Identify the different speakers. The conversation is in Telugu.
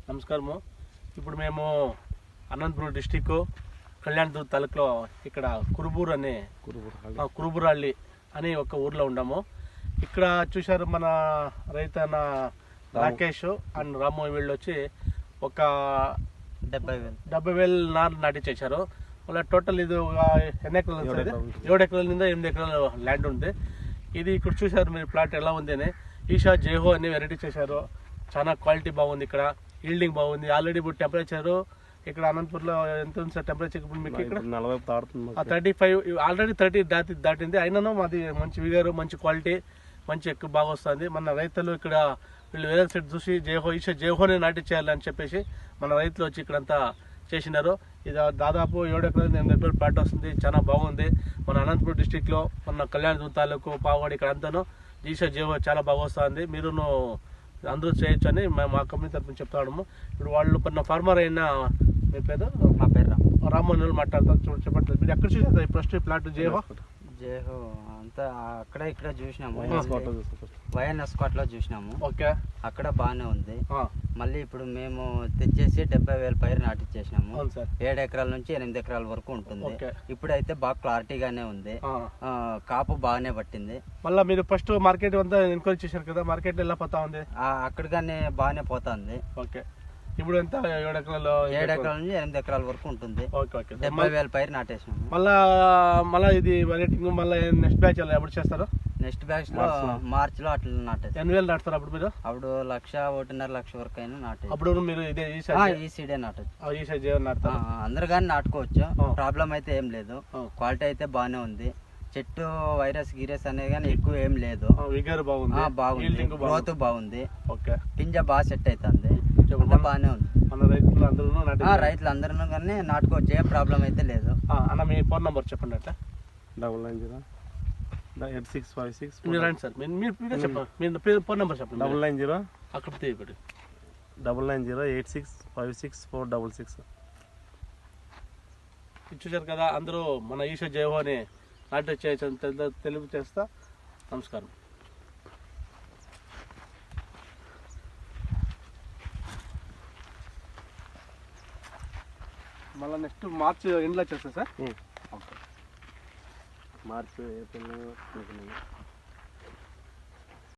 Speaker 1: నమస్కారము. ఇప్పుడు మేము అనంతపురం డిస్టిక్ కళ్యాణదుర్గ తాలూకులో ఇక్కడ కురుబూరహళ్ళి అని ఒక ఊర్లో ఉన్నాము. ఇక్కడ చూశారు మన రైతన్న రాకేష్ అండ్ రాము వీళ్ళు వచ్చి ఒక 70,000 నారు నాటించేశారు. మళ్ళీ టోటల్ ఇది ఎన్ని ఎకరాలు 7 ఎకరాల మీద 8 ఎకరాల ల్యాండ్ ఉంది. ఇది ఇక్కడ చూశారు మీరు ప్లాట్ ఎలా ఉంది అని. ఈషా జేహో అనే వెరైటీ చేశారు. చాలా క్వాలిటీ బాగుంది, ఇక్కడ ఈల్డింగ్ బాగుంది. ఆల్రెడీ ఇప్పుడు టెంపరేచర్ ఇక్కడ అనంతపూర్లో ఎంత ఉంది సార్ టెంపరేచర్? ఇప్పుడు మీకు ఇక్కడ 35 ఆల్రెడీ 30 దాటింది. అయినను మాది మంచి విగర్, మంచి క్వాలిటీ, మంచి ఎక్కువ బాగా వస్తుంది. మన రైతులు ఇక్కడ వీళ్ళు వేరే సైడ్ చూసి ఈషా జేహోనే నాటి చేయాలని చెప్పేసి మన రైతులు వచ్చి ఇక్కడంతా చేసినారు. ఇది దాదాపు 7 ఎకరాలు 8 ఎకరాలు ప్లాట్ వస్తుంది. చాలా బాగుంది. మన అనంతపురం డిస్టిక్లో మన కళ్యాణదుర్గ తాలూకు పావుగడి ఇక్కడ అంతాను ఈషా జేహో చాలా బాగా వస్తుంది. మీరును అందరూ చేయొచ్చు అని మా కంపెనీ తరఫున చెప్తాము. ఇప్పుడు వాళ్ళు కొన్న ఫార్మర్ అయినా మీ పేరు?
Speaker 2: మా పేరు
Speaker 1: రామ్మోహన్ మాట్లాడతారు. చెప్పట్లేదు మీరు ఎక్కడ చూసారు ఫస్ట్ ప్లాట్ జేహో?
Speaker 2: జేహో అంతా అక్కడ ఇక్కడ చూసినాము, వైఎన్ఎస్ కోటలో చూసినాము.
Speaker 1: ఓకే,
Speaker 2: అక్కడ బాగానే ఉంది. మళ్ళీ ఇప్పుడు మేము తెచ్చేసి 70,000 పైరు నాటిచ్చేసినాము. 7 ఎకరాల నుంచి 8 ఎకరాల వరకు ఉంటుంది. ఇప్పుడైతే బాగా క్లారిటీగానే ఉంది, కాపు బాగానే పట్టింది.
Speaker 1: మళ్ళీ మీరు ఫస్ట్ మార్కెట్ అంతా ఎన్క్వైరీ చేశారు కదా, మార్కెట్ ఎలా పోతా ఉంది?
Speaker 2: అక్కడిగానే బాగానే పోతుంది.
Speaker 1: ఓకే, ఇప్పుడు ఎంత 7 ఎకరాలు
Speaker 2: 7 ఎకరాల నుంచి 8 ఎకరాల వరకు ఉంటుంది. 70,000 పైరు నాటేసినాము.
Speaker 1: మళ్ళా ఇది వెరైటింగ్ మళ్ళీ నెక్స్ట్ బ్యాచ్ ఎప్పుడు చేస్తారు?
Speaker 2: నెక్స్ట్ బ్యాచ్ లో మార్చ్ లో అట్లా నాటేస్తారు.
Speaker 1: ఎన్ని వేలు నాటుతారు అప్పుడు మీరు?
Speaker 2: అప్పుడు 1,00,000-1,50,000 వరకు అయినా నాటే.
Speaker 1: అప్పుడు మీరు ఇదే
Speaker 2: ఈ సీడే నాటచ్చు.
Speaker 1: అందరు
Speaker 2: కానీ నాటుకోవచ్చు, ప్రాబ్లం అయితే ఏం లేదు. క్వాలిటీ అయితే బాగానే ఉంది. చెట్టు వైరస్ గిరస్ అనేది కానీ ఎక్కువ ఏం లేదు. బాగుంది, గ్రోత్ బాగుంది. పింజ బాగా సెట్ అవుతుంది, బాగానే ఉంది. రైతులందరూ కానీ నాటుకోవచ్చు, ఏ ప్రాబ్లం అయితే లేదు.
Speaker 1: అన్న మీ ఫోన్ నంబర్ చెప్పండి. అట్లా
Speaker 3: 9908656466.
Speaker 1: మీరు రండి సార్, మీరు చెప్పండి మీ ఫోన్ నెంబర్ చెప్పండి.
Speaker 3: 990
Speaker 1: అక్కడ తీయబడి
Speaker 3: 99086466.
Speaker 1: చూశారు కదా, అందరూ మన ఈషా జేహో అని నాట్య చేయొచ్చు తెలుగు చేస్తా. నమస్కారం. మళ్ళీ నెక్స్ట్ మార్చ్ ఎండ్లో చేస్తా సార్.
Speaker 3: March April